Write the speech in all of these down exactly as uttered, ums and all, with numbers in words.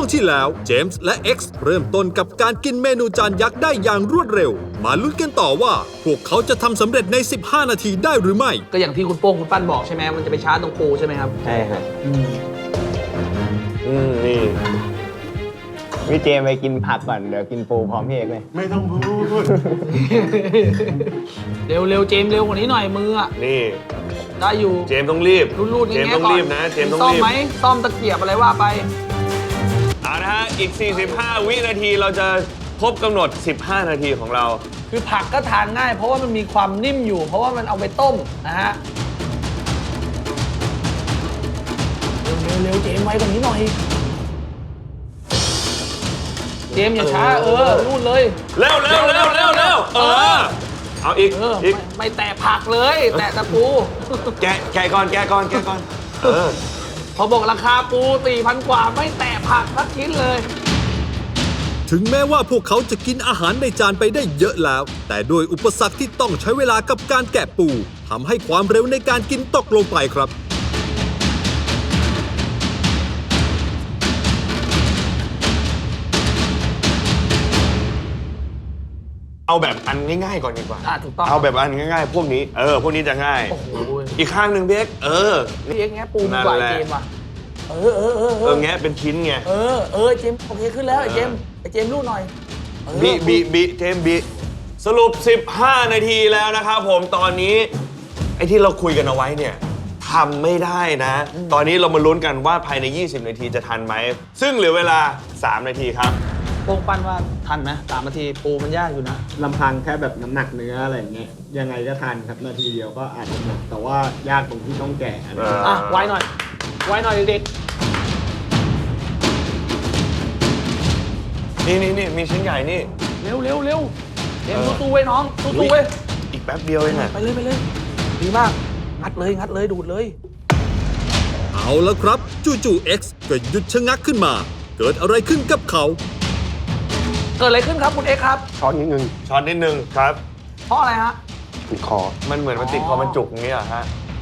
ที่แล้วเจมส์และ X เริ่มต้นกับการกินเมนูจานยักษ์ได้อย่างรวดเร็วมาลุ้นกันต่อว่าพวกเขาจะทำสำเร็จในสิบห้านาทีได้หรือไม่ก็อย่างที่คุณโป้งคุณปั้นบอกใช่ไหมมันจะไปช้าตรงปูใช่ไหมครับใช่ครับอืมอืมนี่พี่เจมไปกินผักก่อนเดี๋ยวกินปูพร้อมพี่เอกเลยไม่ต้องพูดเร็วเร็วเจมเร็วกว่านี้หน่อยมืออ่ะนี่ได้อยู่เจมต้องรีบรูดๆเจมต้องรีบนะเจมต้องรีบซ่อมไหมซ่อมตะเกียบอะไรว่าไปเอานะฮะอีกสี่สิบห้าวินาทีเราจะครบกำหนดสิบห้านาทีของเราคือผักก็ทานง่ายเพราะว่ามันมีความนิ่มอยู่เพราะว่ามันเอาไปต้มนะฮะเร็วเร็วเจมไว้กว่านี้หน่อยเจมอย่าช้าเออรูดเลยเร็วเร็วเร็วเร็วเร็วเออเอาอีกอีกไม่แตะผักเลยแตะตะปูแกะแกะก่อนแกะก่อนแกะก่อนเออพอบอกราคาปูสี่พันกว่าไม่แตะผักสักชิ้นเลยถึงแม้ว่าพวกเขาจะกินอาหารในจานไปได้เยอะแล้วแต่โดยอุปสรรคที่ต้องใช้เวลากับการแกะปูทำให้ความเร็วในการกินตกลงไปครับเอาแบบอันง่ายๆก่อนดีกว่าอ่ะถูกต้องเอาแบบอันง่ายๆพวกนี้เออพวกนี้จะง่ายโอ้โหอีกข้างหนึ่งเบ๊กเออพี่เอ็กแงะปูดีกว่าเจมว่ะเออเออเออเออแงะเป็นชิ้นไงเออเออเจมโอเคขึ้นแล้วไอ้เจมไอ้เจมรูดหน่อยบีบีบีเจมบีสรุปสิบห้านาทีแล้วนะครับผมตอนนี้ไอ้ที่เราคุยกันเอาไว้เนี่ยทำไม่ได้นะตอนนี้เรามาลุ้นกันว่าภายในยี่สิบนาทีจะทันไหมซึ่งเหลือเวลาสามนาทีครับโป้งปั้นว่าทันไหมสามนาทีปูมันยากอยู่นะลำพังแค่แบบน้ำหนักเนื้ออะไรอย่างเงี้ยยังไงก็ทันครับนาทีเดียวก็อาจจะหมดแต่ว่ายากตรงที่ต้องแกะอ่ะไวหน่อยไวหน่อยเด็กนี่นี่นี่มีชิ้นใหญ่นี่เร็วเร็วเร็วเอ็มตู้ตู้ไว้น้องตู้ตู้ไว้อีกแป๊บเดียวเองอะไปเลยไปเลยดีมากงัดเลยงัดเลยดูดเลยเอาแล้วครับจู่ๆ X ก็หยุดชะงักขึ้นมาเกิดอะไรขึ้นกับเขาเกิดอะไรขึ้นครับคุณเอ็กครับช้อนนิดนึงช้อนนิดนึงครับเพราะอะไรฮะติดคอมันเหมือนมันติดคอมันจุกอย่างนี้เหรอฮะ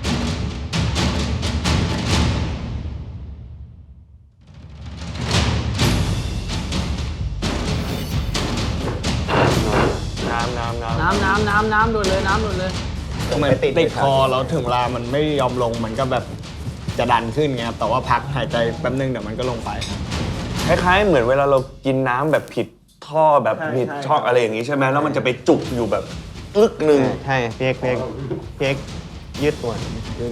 น้ำน้ำน้ำน้ำน้ำน้ำน้ำโดนเลยน้ำโดนเลยทำไมติดคอแล้วถึงเวลามันไม่ยอมลงมันก็แบบจะดันขึ้นไงครับแต่ว่าพักหายใจแป๊บนึงเดี๋ยวมันก็ลงไปคล้ายๆเหมือนเวลาเรากินน้ำแบบผิดท่อแบบผิดช่องอะไรอย่างนี้ใช่ไหมแล้วมันจะไปจุกอยู่แบบอึกหนึ่งใช่เพียกเพียกเพียกยืดตัว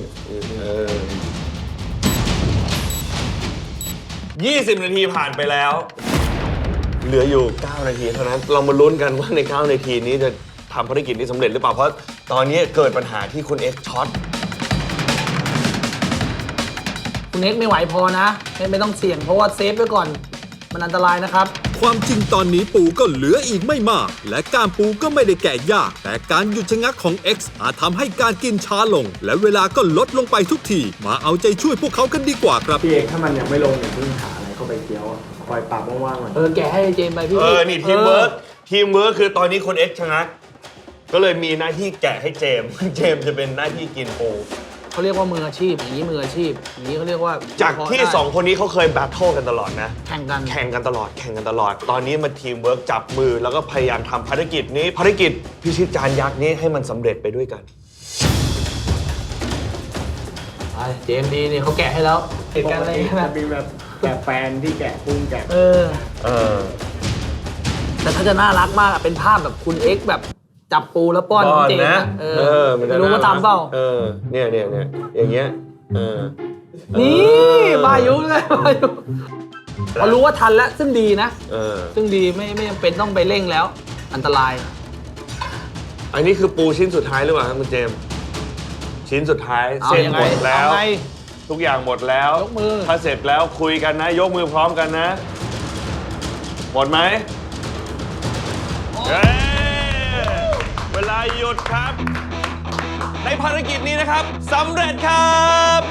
ยี่สิบนาทีผ่านไปแล้วเหลืออยู่เก้านาทีเท่านั้นเรามาลุ้นกันว่าในเก้านาทีนี้จะทำภารกิจนี้สำเร็จหรือเปล่าเพราะตอนนี้เกิดปัญหาที่คุณเอ็กซ์ช็อตคุณเอ็กซ์ไม่ไหวพอนะไม่ต้องเสี่ยงเพราะว่าเซฟไว้ก่อนมันอันตรายนะครับความจริงตอนนี้ปูก็เหลืออีกไม่มากและการปูก็ไม่ได้แกะยากแต่การหยุดชะงักของ X อาจทำให้การกินช้าลงและเวลาก็ลดลงไปทุกทีมาเอาใจช่วยพวกเขากันดีกว่าครับพี่เอกถ้ามันยังไม่ลงอย่าเพิ่งหาอะไรเข้าไปเคี้ยวคอยปรับว่างๆมันเออแกะให้เจมไปพี่เออนี่ทีมเวิร์กทีมเวิร์กคือตอนนี้คน X ชะงักก็เลยมีหน้าที่แกะให้เจมเจมจะเป็นหน้าที่กินปูเขาเรียกว่ามืออาชีพอย่างนี้มืออาชีพอย่างนี้เขาเรียกว่าจากที่สองคนนี้เขาเคยแบทเทิลกันตลอดนะแข่งกันแข่งกันตลอดแข่งกันตลอดตอนนี้มาทีมเวิร์กจับมือแล้วก็พยายามทำภารกิจนี้ภารกิจพิชิตจานยักษ์นี้ให้มันสำเร็จไปด้วยกันเจมดีนี่เขาแกะให้แล้วเหตุการณ์อะไรนะมีแบบแกะแฟนที่แกะกุ้งแกะเออเออแต่ถ้าจะน่ารักมากเป็นภาพแบบคุณเอ็กซ์แบบจับปูแล้วป้อนเจมนะเออไม่รู้ว่าทำเปล่าเออเนี่ยเนี่ยเนี่ยอย่างเงี้ยเออนี่บายุเลยบายุพอรู้ว่าทันแล้วซึ่งดีนะเออซึ่งดีไม่ไม่จำเป็นต้องไปเร่งแล้วอันตรายอันนี้คือปูชิ้นสุดท้ายหรือเปล่าครับคุณเจมชิ้นสุดท้ายเสร็จหมดแล้วทุกอย่างหมดแล้วยกมือถ้าเสร็จแล้วคุยกันนะยกมือพร้อมกันนะหมดไหมเวลาหยุดครับในภารกิจนี้นะครับสำเร็จครับ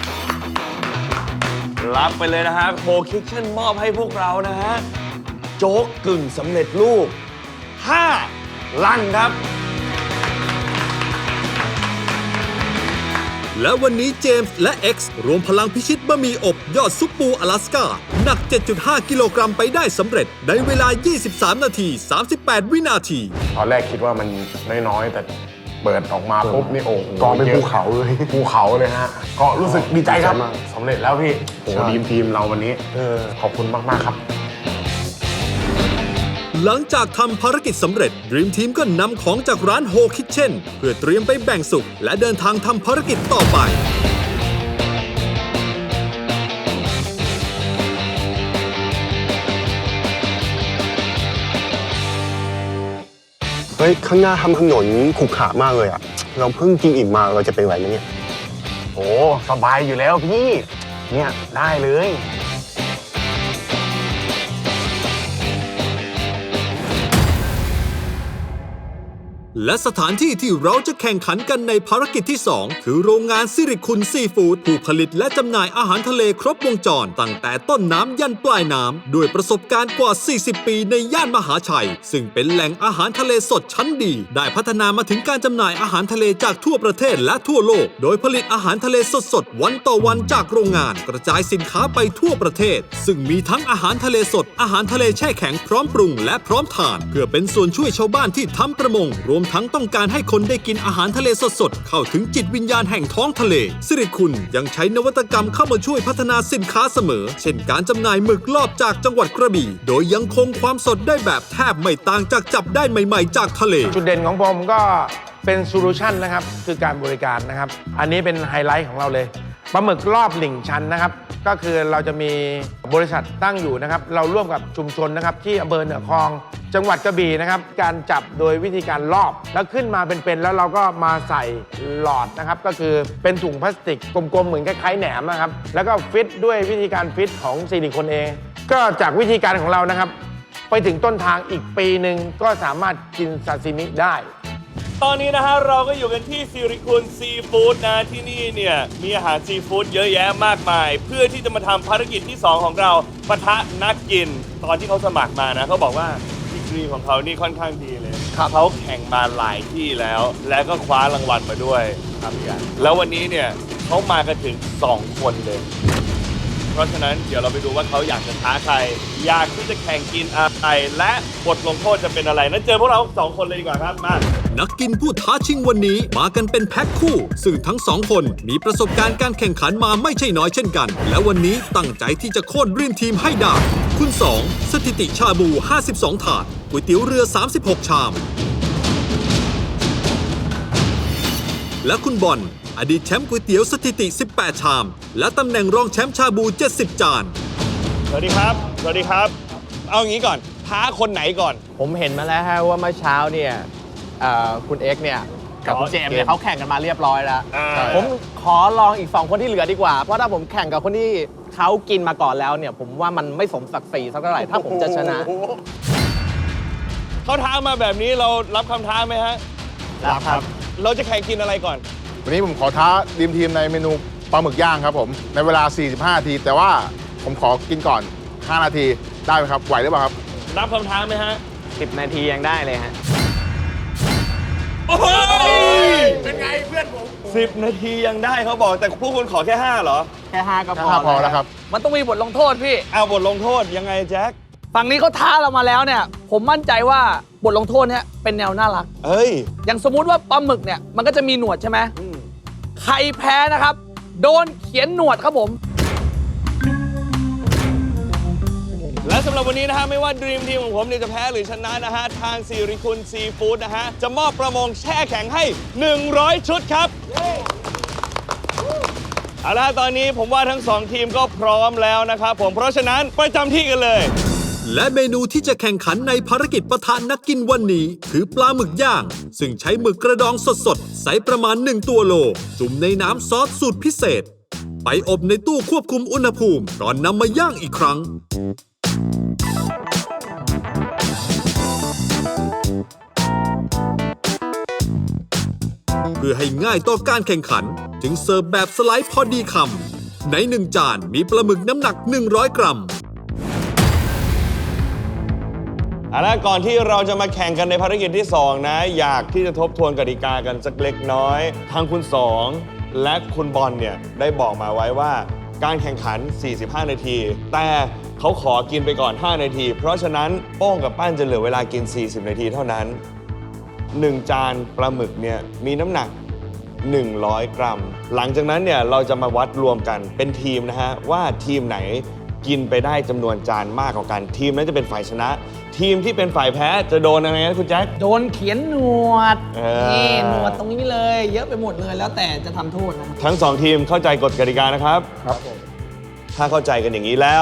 รับไปเลยนะครับโคคิทเช่นมอบให้พวกเรานะฮะโจ๊กกึ่งสำเร็จรูปห้าลังครับและวันนี้เจมส์และ X รวมพลังพิชิตบะหมี่อบยอดซุปปูอลาสก้าหนัก เจ็ดจุดห้า กิโลกรัมไปได้สำเร็จในเวลา ยี่สิบสาม นาที สามสิบแปด วินาทีตอนแรกคิดว่ามันน้อยๆแต่เปิดออกมาปุ๊บนี่โอ้โหกองเป็นภูเขาเลยภูเขาเลยฮะก็รู้สึกดีใจครับสำเร็จแล้วพี่โอ้โหทีมทีมเราวันนี้ขอบคุณมากๆครับหลังจากทำภารกิจสำเร็จ Dream Team ก็นำของจากร้าน Whole Kitchen เพื่อเตรียมไปแบ่งสุกและเดินทางทำภารกิจต่อไปเฮ้ย ข้างหน้าทำถนนขรุขระมากเลยอ่ะ เราเพิ่งกินอิ่มมาเราจะไปไหวไหมเนี่ยโอ้สบายอยู่แล้วพี่ เนี่ยได้เลยและสถานที่ที่เราจะแข่งขันกันในภารกิจที่ สอง คือโรงงานสิริคุณซีฟู้ดผู้ผลิตและจำหน่ายอาหารทะเลครบวงจรตั้งแต่ต้นน้ำยันปลายน้ำด้วยประสบการณ์กว่า สี่สิบ ปีในย่านมหาชัย ซึ่งเป็นแหล่งอาหารทะเลสดชั้นดี ได้พัฒนามาถึงการจำหน่ายอาหารทะเลจากทั่วประเทศและทั่วโลก โดยผลิตอาหารทะเลสดๆวันต่อวันจากโรงงานกระจายสินค้าไปทั่วประเทศ ซึ่งมีทั้งอาหารทะเลสดอาหารทะเลแช่แข็งพร้อมปรุงและพร้อมทานเพื่อเป็นส่วนช่วยชาวบ้านที่ทำประมงรวมทั้งต้องการให้คนได้กินอาหารทะเลสดๆเข้าถึงจิตวิญญาณแห่งท้องทะเลสิริคุณยังใช้นวัตกรรมเข้ามาช่วยพัฒนาสินค้าเสมอเช่นการจำหน่ายหมึกลอบจากจังหวัดกระบี่โดยยังคงความสดได้แบบแทบไม่ต่างจากจับได้ใหม่ๆจากทะเลจุดเด่นของผมก็เป็นโซลูชันนะครับคือการบริการนะครับอันนี้เป็นไฮไลท์ของเราเลยปลาหมึกรอบหลิ่งชันนะครับก็คือเราจะมีบริษัทตั้งอยู่นะครับเราร่วมกับชุมชนนะครับที่อำเภอเหนือคลองจังหวัดกระบี่นะครับการจับโดยวิธีการลอบแล้วขึ้นมาเป็นๆแล้วเราก็มาใส่หลอดนะครับก็คือเป็นถุงพลาสติกกลมๆเหมือนคล้ายๆแหนมนะครับแล้วก็ฟิตด้วยวิธีการฟิตของซิลิโคนเองก็จากวิธีการของเรานะครับไปถึงต้นทางอีกปีหนึ่งก็สามารถกินซาซิมิได้ตอนนี้นะฮะเราก็อยู่กันที่สิริคุณซีฟู้ดนะที่นี่เนี่ยมีอาหารซีฟู้ดเยอะแยะมากมายเพื่อที่จะมาทำภารกิจที่ สอง ของเราปะทะนักกินตอนที่เขาสมัครมานะเขาบอกว่าดีกรีของเขานี่ค่อนข้างดีเลยเขาแข่งมาหลายที่แล้ว และก็คว้ารางวัลมาด้วยครับพี่อันแล้ววันนี้เนี่ยเขามากันถึงสองคนเลยเพราะฉะนั้นเดี๋ยวเราไปดูว่าเขาอยากจะท้าใครอยากที่จะแข่งกินอะไรและบทลงโทษจะเป็นอะไรนั้นเจอพวกเราสองคนเลยดีกว่าครับมานักกินผู้ท้าชิงวันนี้มากันเป็นแพ็คคู่ซึ่งทั้งสองคนมีประสบการณ์การแข่งขันมาไม่ใช่น้อยเช่นกันและวันนี้ตั้งใจที่จะโค่นDream Teamให้ได้คุณสองสถิติชาบูห้าสิบสองถาดก๋วยเตี๋ยวเรือสามสิบหกชามและคุณบอลอดีตแชมป์ก๋วยเตี๋ยวสถิติสิบแปดชามและตำแหน่งรองแชมป์ชาบูเจ็ดสิบจานสวัสดีครับสวัสดีครับเอางี้ก่อนท้าคนไหนก่อนผมเห็นมาแล้วฮะว่าเมื่อเช้าเนี่ยคุณเอ็กซ์เนี่ยกับคุณเจมส์เนี่ยเขาแข่งกันมาเรียบร้อยแล้วผมขอลองอีกสองคนที่เหลือดีกว่าเพราะถ้าผมแข่งกับคนที่เขากินมาก่อนแล้วเนี่ยผมว่ามันไม่สมศักดิ์ศรีสักเท่าไหร่ถ้าผมจะชนะเขาท้ามาแบบนี้เรารับคำท้าไหมฮะรับครับเราจะแข่งกินอะไรก่อนวันนี้ผมขอท้าทีมทีมในเมนูปลาหมึกย่างครับผมในเวลาสี่สิบห้านาทีแต่ว่าผมขอกินก่อนห้านาทีได้ไหมครับไหวหรือเปล่าครับรับคำท้าไหมฮะสิบนาทียังได้เลยฮะโอ้ยเป็นไงเพื่อนผมสิบนาทียังได้เขาบอกแต่พวกคุณขอแค่ห้าเหรอแค่ห้าก็พอพอแล้วครับมันต้องมีบทลงโทษพี่เอาบทลงโทษยังไงแจ็คฝั่งนี้เขาท้าเรามาแล้วเนี่ยผมมั่นใจว่าบทลงโทษเนี่ยเป็นแนวน่ารักเฮ้ยอย่างสมมุติว่าปลาหมึกเนี่ยมันก็จะมีหนวดใช่ไหมใครแพ้นะครับโดนเขียนหนวดครับผมและสำหรับวันนี้นะฮะไม่ว่า Dream Team ของผมเนี่ยจะแพ้หรือชนะนะฮะทางสิริคุณซีฟู้ดนะฮะจะมอบประมงแช่แข็งให้หนึ่งร้อยชุดครับเอาล่ะตอนนี้ผมว่าทั้งสองทีมก็พร้อมแล้วนะครับผมเพราะฉะนั้นประจำที่กันเลยและเมนูที่จะแข่งขันในภารกิจปะทะนักกินวันนี้คือปลาหมึกย่างซึ่งใช้หมึกกระดองสดๆไซส์ประมาณหนึ่งตัวโลจุ่มในน้ำซอสสูตรพิเศษไปอบในตู้ควบคุมอุณหภูมิก่อนนำมาย่างอีกครั้งเพื่อให้ง่ายต่อการแข่งขันจึงเสิร์ฟแบบสไลด์พอดีคำในหนึ่งจานมีปลาหมึกน้ำหนักหนึ่งร้อยกรัมเอาล่ะก่อนที่เราจะมาแข่งกันในภารกิจที่สองนะอยากที่จะทบทวนกติกากันสักเล็กน้อยทางคุณสองและคุณบอลเนี่ยได้บอกมาไว้ว่าการแข่งขัน สี่สิบห้า นาที แต่เขาขอกินไปก่อน ห้า นาที เพราะฉะนั้นโป้งกับปั้นจะเหลือเวลากิน สี่สิบ นาทีเท่านั้น หนึ่ง จานปลาหมึกเนี่ยมีน้ำหนัก หนึ่งร้อย กรัม หลังจากนั้นเนี่ยเราจะมาวัดรวมกันเป็นทีมนะฮะว่าทีมไหนกินไปได้จำนวนจานมากกว่ากัน ทีมนั้นจะเป็นฝ่ายชนะ ทีมที่เป็นฝ่ายแพ้จะโดนอะไรนะคุณแจ็คโดนเขียนหนวดเออนี่หนวดตรงนี้เลย เยอะไปหมดเลยแล้วแต่จะทำโทษนะครับทั้งสองทีมเข้าใจกฎกติกานะครับครับผมถ้าเข้าใจกันอย่างนี้แล้ว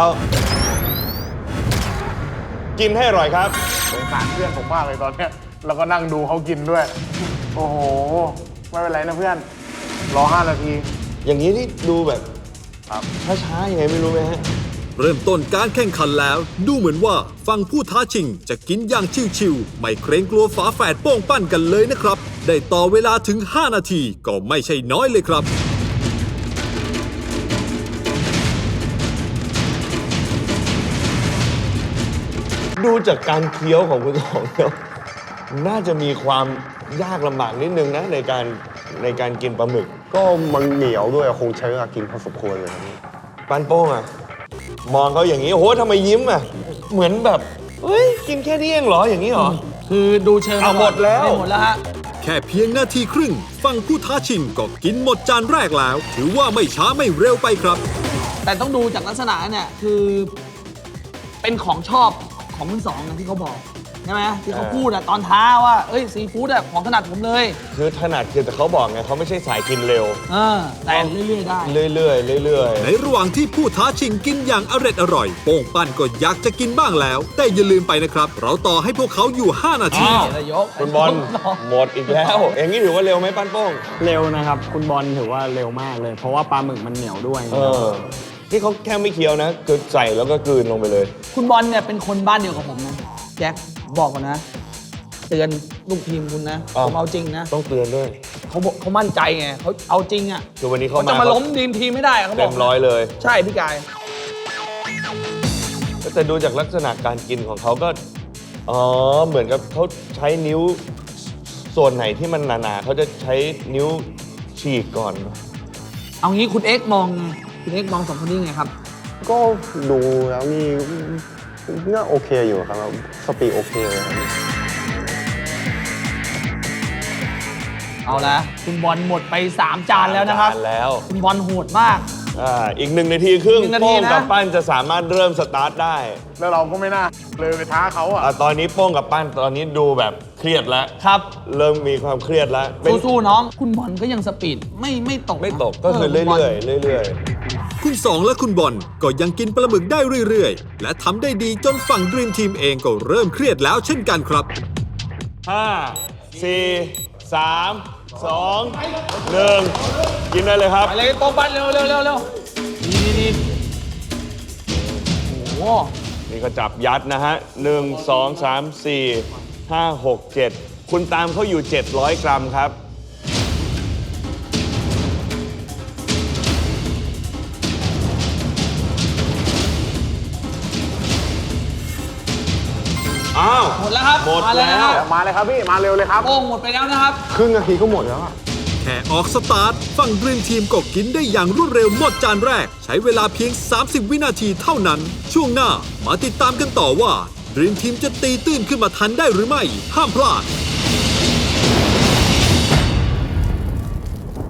กินให้อร่อยครับสงสารเพื่อนผมมากเลยตอนเนี้ยแล้วก็นั่งดูเขากินด้วย โอ้โห ไม่เป็นไรนะเพื่อน รอห้านาทีอย่างนี้นี่ดูแบบช้าๆยังไงไม่รู้ไหมฮะเริ่มต้นการแข่งขันแล้ว ดูเหมือนว่าฝั่งผู้ท้าชิงจะกินอย่างชิวๆไม่เกรงกลัวฝาแฝดโป้งปั้นกันเลยนะครับ ได้ต่อเวลาถึง ห้า นาทีก็ไม่ใช่น้อยเลยครับดูจากการเคี้ยวของคุณสองแล้วน่าจะมีความยากลำบากนิดนึงนะในการในการกินปลาหมึกก็มันเหนียวด้วยคงใช้เวลากินพอสมควรเลยครับปั้นโป้งอะมองเขาอย่างนี้โอ้โหทำไมยิ้มอะเหมือนแบบเฮ้ยกินแค่นี้เองเหรออย่างนี้เหรอคือดูเชิงเอาหมดแล้วไม่หมดแล้วฮะแค่เพียงนาทีครึ่งฝั่งผู้ท้าชิงก็กินหมดจานแรกแล้ว ถือว่าไม่ช้าไม่เร็วไปครับแต่ต้องดูจากลักษณะเนี่ยคือเป็นของชอบของมือสองนะที่เขาบอกใช่ไหมที่เขาพูดอะตอนท้าว่าเอ้ยซีฟู้ดอะของถนัดผมเลยคือถนัดคือแต่เขาบอกไงเขาไม่ใช่สายกินเร็วเออแต่เรื่อยๆได้เรื่อยๆเรื่อยในระหว่างที่ผู้ท้าชิงกินอย่างอร่อยอร่อยโป้งปั้นก็อยากจะกินบ้างแล้ว แต่อย่าลืมไปนะครับ เราต่อให้พวกเขาอยู่ ห้า นาทีอ้าวนายกๆคุณบอลหมดอีกแล้ว อย่างนี้ถือว่าเร็วไหมปั้นโป้งเร็วนะครับ คุณบอลถือว่าเร็วมากเลย เพราะว่าปลาหมึกมันเหนียวด้วยเออที่เขาแค่ไม่เคี้ยวนะคือใส่แล้วก็กลืนลงไปเลยคุณบอลเนี่ยเป็นคนบ้านเดียวกับผมนะแจ็คบอกก่อนนะเตือนลูกทีมคุณนะอ้าวผมเอาจริงนะต้องเตือนด้วยเขาบอกเขามั่นใจไงเขาเอาจริงอะคือวันนี้เขาเขาจะมามาล้มทีมทีมไม่ได้อะเขาบเต็อกมร้อยเลยใช่พี่กายแต่ดูจากลักษณะการกินของเขาก็ อ๋อ เหมือนกับเขาใช้นิ้วส่วนไหนที่มันหนาๆเขาจะใช้นิ้วฉีกก่อนเอางี้คุณเอ็กซ์มองไงคุณเอ็กซ์มองสองคนนี้ไงครับก็ดูแล้วนี่น่าโอเคอยู่ครับสปีดโอเคเลยครับเอาละคุณบอลหมดไปสามจานแล้วนะครับจานแล้วคุณบอลโหดมากอ่าอีกหนึ่งนาทีครึ่งหนึ่งนาทีโป้งนะกับปั้นจะสามารถเริ่มสตาร์ทได้แล้วเราก็ไม่น่าเลยไปท้าเขาอ่ะอ่าตอนนี้โป้งกับปั้นตอนนี้ดูแบบเครียดแล้วครับเริ่มมีความเครียดแล้วเป็นสู้ๆน้อง คุณบอลก็ยังสปีดไม่ไม่ตกนะไม่ตกก็คือเรื่ณบลอยๆเรื่อยๆคุณสองและคุณบอลก็ยังกินปลาหมึกได้เรื่อยๆ และทำได้ดีจนฝั่งดรีมทีมเองก็เริ่มเครียดแล้วเช่นกันครับห้า สี่ สาม สอง หนึ่ง กินได้เลยครับไปเลยโป้งปั้นเร็วเร็วเร็วเร็วดีดีดีโอ้โหนี่ก็จับยัดนะฮะหนึ่ง สอง สาม สี่ ห้า หก เจ็ด คุณตามเขาอยู่ เจ็ดร้อย กรัมครับ อ้าวหมดแล้วครับหมดมาแล้วนะคแล้รับวมาเลยครับพี่ มาเร็วเลยครับโป้งหมดไปแล้วนะครับครึ่งนาทีก็หมดแล้วอะแค่ออกสตาร์ทฝั่งดรีมทีมก็กินได้อย่างรวดเร็วหมดจานแรก ใช้เวลาเพียง สามสิบ วินาทีเท่านั้น ช่วงหน้ามาติดตามกันต่อว่าดรีมทีมจะตีตื้นขึ้นมาทันได้หรือไม่ ห้ามพลาด